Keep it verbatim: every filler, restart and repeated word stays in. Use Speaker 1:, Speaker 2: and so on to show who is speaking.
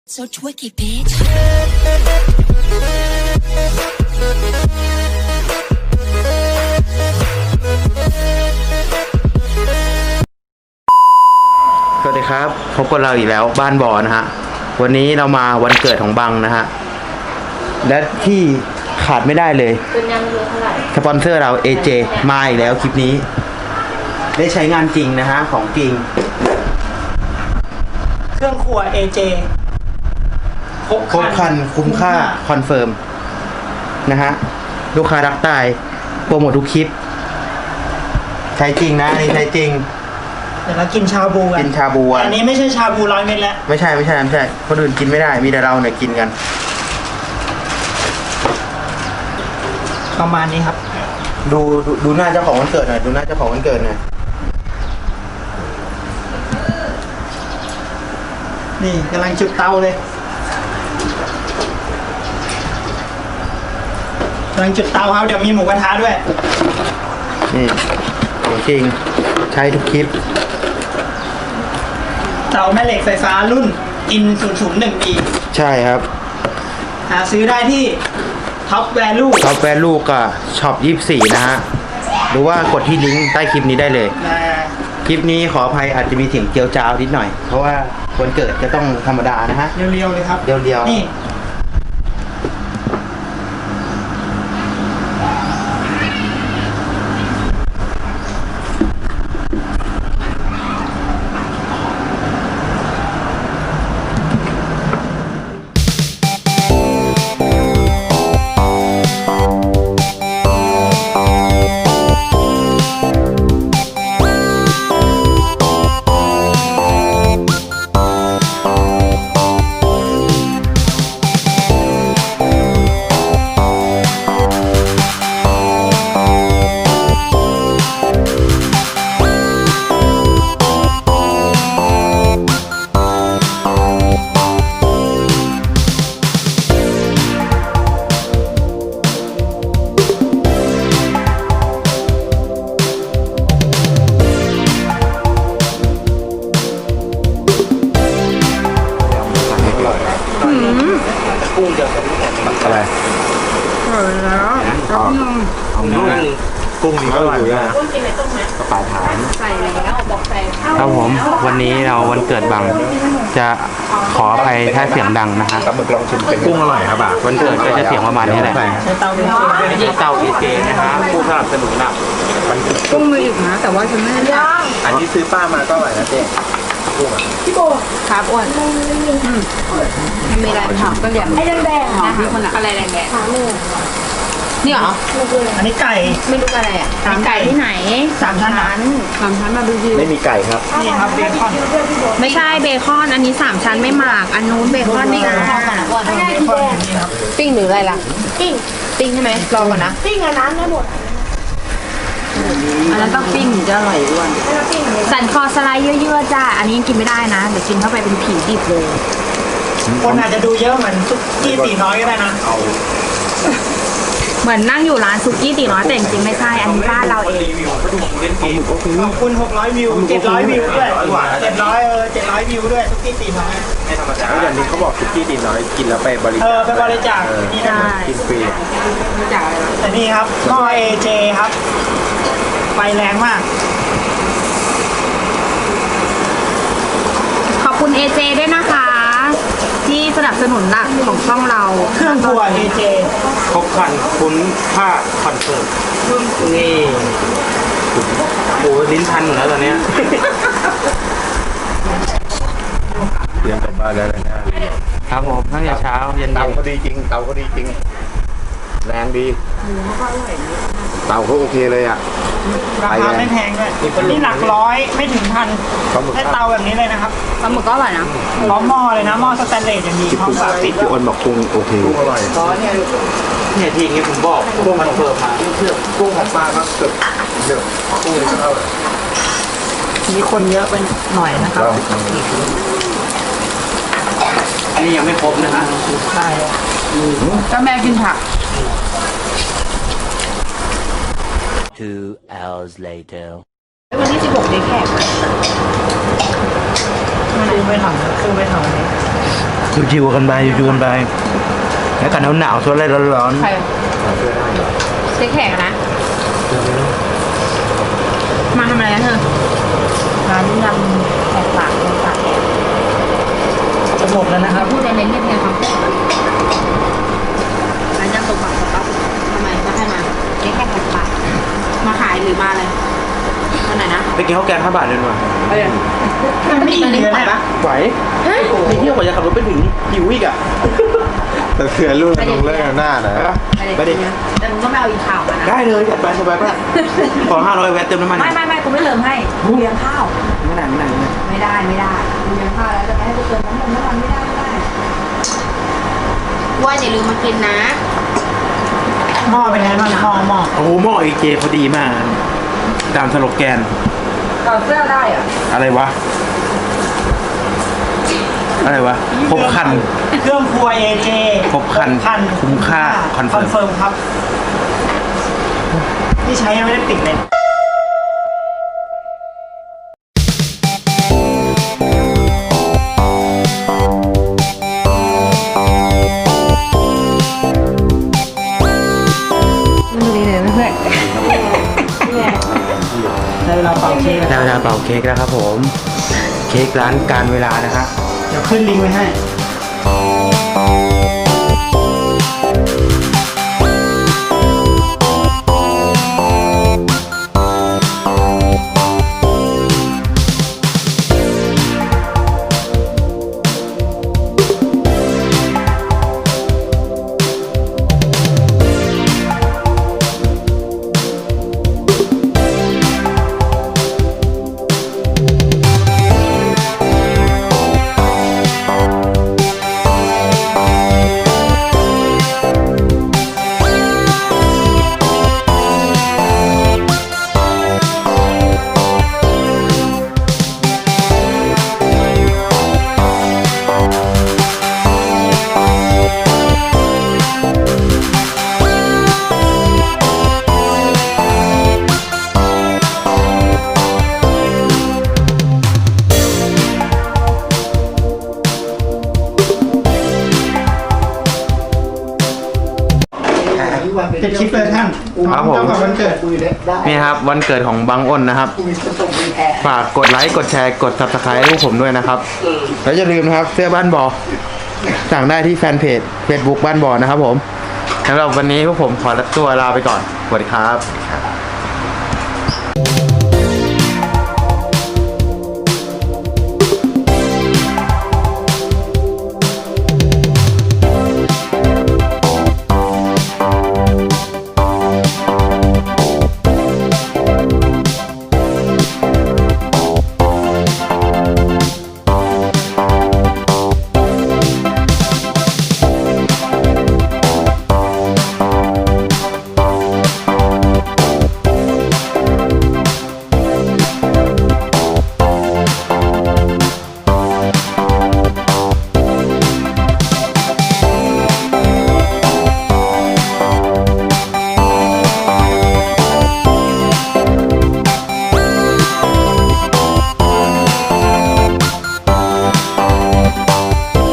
Speaker 1: So twicky, bitch.
Speaker 2: สวัสดีครับพบกับเราอีกแล้วบ้านบอนะฮะวันนี้เรามาวันเกิดของบังนะฮะและที่ขาดไม่ได้เลยสปอนเซอร์เรา เอ เจ มาอีกแล้วคลิปนี้ได้ใช้งานจริงนะฮะของจริง
Speaker 3: เครื่องครัว เอ เจ
Speaker 2: ครบคันคุ้มค่าคอนเฟิร์มนะฮะลูกค้ารักตายโปรโมททุกคลิปใช้จริงนะนี่ใช้จริง
Speaker 3: เดี๋ยวเรากินชาบูกัน
Speaker 2: กินชาบูอั
Speaker 3: นนี้ไม่ใช่ชาบูร้อยเม็ดแล้ว
Speaker 2: ไม่ใช่ไม่ใช่ไม่ใช่คนอื่นกินไม่ได้มีแต่เราเนี่ยกินกัน
Speaker 3: ประมาณนี้ครับ
Speaker 2: ดูดูดูหน้าเจ้าของวันเกิดหน่อยดูหน้าเจ้าของวันเกิดหน่อย
Speaker 3: นี่กำลังจุดเตาเลยกำลังจุดเตาครับเดี๋ยวมีหมูกระทะด้วย
Speaker 2: นี่ของจริงใช้ทุกคลิป
Speaker 3: เตาแม่เหล็กไฟฟ้ารุ่นอินศูนย์ศูนย์หนึ่งปี
Speaker 2: ใช่ครับ
Speaker 3: หาซื้อได้ที่ท็อปแวลู
Speaker 2: ท็อปแวลูกับช็อปยี่สิบสี่นะฮะหรือว่ากดที่ลิงก์ใต้คลิปนี้ได้เลยคลิปนี้ขออภัยอาจจะมีเสียงเจียวจ้าวนิดหน่อยเพราะว่าวันเกิดจะต้องธรรมดานะฮะ
Speaker 3: เรียวๆเลยครับ
Speaker 2: เรียวๆ
Speaker 3: นี่
Speaker 2: อะไร
Speaker 3: อร่อยแล้วเอา
Speaker 2: เอาเนื้อกุ้งนี่ก็อร่อยนะกุ้งกินในต้มไหมกระป๋าถามใส่แล้วบอกใส่ครับผมวันนี้เราวันเกิดบังจะขออภัยถ้าเสียงดังนะฮะ
Speaker 4: ปลาหมึกลองชิมเป็นกุ้งอร่อยครับอ่ะ
Speaker 2: วันเกิดก็จะเสียงประมาณนี้แหละ
Speaker 3: ใช้เตาเอ
Speaker 2: เจเตา เอ เจ นะฮะผู้สนับสนุนหลัก
Speaker 3: กุ้งมืออีกนะแต่ว่าฉันไม่ได้
Speaker 4: อันที่ซื้อป้ามาก็อร่อยนะเจ๊กุ้งอ่ะ
Speaker 3: พี่โบครับอ้วนมีอะไรถามก็เรียกไอ้แดงๆนะคะอะไรแดงๆขาหมูนี่เหรออันนี้ไก่
Speaker 5: ไม่รู้อะไรอ่ะไก่ที่ไหน
Speaker 3: สามชั้น
Speaker 5: สามชั้นมาดูวิว
Speaker 4: ไม่มีไก่ครับ
Speaker 3: นี่ครับเบคอน
Speaker 5: ไม่ใช่เบคอนอันนี้สามชั้นไม่หมักอันนู้นเบคอนนี่นะปิ้งหรืออะไรล่ะปิ้งปิ้งใช่ไหมรอก่อนนะ
Speaker 3: ปิ้งอันนั้นได้หมด
Speaker 5: อันนั้นต้องปิ้งถึงจะอร่อยอ้วนสันคอสไลด์เยอะๆจ้าอันนี้กินไม่ได้นะเดี๋ยวกินเข้าไปเป็นผีดิบเลย
Speaker 3: คนอาจจะดูเยอะเหมือนซุกี้ตีน้อยก็ได้นะ
Speaker 5: เหมือนนั่งอยู่ร้านซุกี้ตีน้อยแต่จริงๆไม่ใช่อันนี้บ้านเราเอง
Speaker 3: ขอบคุณหกร้อยวิวเจ็ดร้อยวิวด้วยเจ็ดร้อยเออเจ็ดร้อยวิวด้วยซุกี้ตีน้อย
Speaker 4: ไม่ธรรมดาอย่างนี้เขาบอกซุกี้ตีน้อยกินแล้วไปบริจาค
Speaker 3: เออไปบริจาคนี่นะ
Speaker 4: กินฟรี
Speaker 3: แต่นี่ครับหม้อ เอ เจ ครับไฟแรงมาก
Speaker 5: ขอบคุณ เอ เจ ด้วยนะคะที่สนับสนุนหลักของช่องเรา
Speaker 3: เครื่องครัว เอ เจ
Speaker 2: ครบคันคุ้มค่าคอนเฟิร์มนี่โอ้ลิ้นพันหมดแล้วตอนนี้
Speaker 4: เตรียมกลับบ้านแล้วนะครับ
Speaker 2: ผมตั้งแต่เช้าเย็น
Speaker 4: เตาก็ดีจริงเตาก็ดีจริงแรงดีเตาเขาโอเคเลยอ่ะ
Speaker 3: ราคาไม่แพงด้วยนี่หลักร้อยไม่ถึงพันให้เตาแบบนี้เลยนะครับ
Speaker 5: ปลาหมึกก็อร่อยนะ
Speaker 3: พร้อมหม้อเลยนะหม้อสแตนเลสอย่างดีพร้อมฝาปิด
Speaker 4: พี่อ้นบอกกุ้งโอเคกุ้งอร่อย
Speaker 2: เนี่ยเนี่ยทีอย่างเงี้ยผมบอกกุ้งมันเพิ่มมา
Speaker 4: กุ้งของป้าครับเกือบเดือดกุ้งนี่ก็เท่าไหร่
Speaker 3: มีคนเยอะไปหน่อยนะครับ
Speaker 2: อันนี้ยังไม่ครบนะฮะ
Speaker 3: ใช่
Speaker 5: ก็แม่กินผัก
Speaker 1: Two hours later
Speaker 5: วันที่สิบหกได้แขก
Speaker 3: คือไม่ทำคือไม่ทำ
Speaker 2: ชิวๆกันไปชิวๆกันไปแล้วกันหนาวๆส่วนอะไรร้อน
Speaker 5: ใครเจ๊แขกนะ มาทำอะไรนะเธอ
Speaker 3: ร้านยำแขกปากแขกปาก
Speaker 2: ๆจะหมดแล้วนะครับ
Speaker 5: พูดในเน้นเงียบๆครับร้านยำตกปากตกปากทำไมมาให้มาเจ๊แขกแขกปากมาขายหรือมาอะไรมาไหนนะ
Speaker 2: ไปกินข้าวแกงห้าบาทเลยหน่อย
Speaker 5: มันไม่ดีเลยปะ
Speaker 2: ไหวไปเที่ยวกว่าจะขับรถไปถึงหิวอีกอ่ะ
Speaker 4: แต่เสือรุ่นลงเล่นหน้านะ
Speaker 2: ไปดิ
Speaker 5: แต่มึงก็ไม่เอาอีกข่าวมานะ
Speaker 2: ได้เลยจัดไปสบายป่ะขอห้าร้อยแวะเติมน้ำมัน
Speaker 3: ไม่ไม่ไม่กูไม่เติมให้กูเลี้ยงข้าว
Speaker 2: ไม่ได้ไม่ได้ไม่ได้
Speaker 3: ไม่ได้ไม่ได้กูเลี้ยงข้าวแล้วจะไม่ให้กูเติมน้ำมันน้ำมันไม่ได้ไม่ได้
Speaker 5: ว่าอย่าลืมมากินนะ
Speaker 3: หม้อเป็นไงบ้างหม้อหม้อ
Speaker 2: โอ้โหหม้อเอเจพอดีมากตามสโลแกน
Speaker 3: ถอดเสื้อได้อะ
Speaker 2: อะไรวะ อะไรวะครบครัน
Speaker 6: เครื่องครัว เอ เจ
Speaker 2: ครบครันคุ้มค่าคอนเฟิร์ม
Speaker 6: เฟิร์มครับ ที่ใช้ยังไม่ได้ติดเลย
Speaker 5: ดูดีเลยเพื่อน
Speaker 6: ในเวลาเป่าเค้ก
Speaker 2: ได้เวลาเป่าเค้กแล้วครับผม เค้กร้านการเวลานะฮะ
Speaker 6: เดี๋ยวขึ้นลิงก์ไว้ให้ เป็นคลิปเลยท่าน
Speaker 2: ครับผม
Speaker 6: เจ้าของวันเกิด
Speaker 2: นี่ครับวันเกิดของบังอ้นนะครับ ฝากกดไลค์กดแชร์กด ซับสไครบ์ ให้พวกผมด้วยนะครับ แล้วอย่าลืมนะครับเสื้อบ้านบอสั่งได้ที่แฟนเพจ Facebook บ้านบอนะครับผมสำหรับวันนี้พวกผมขอตัวลาไปก่อนสวัสดีครับ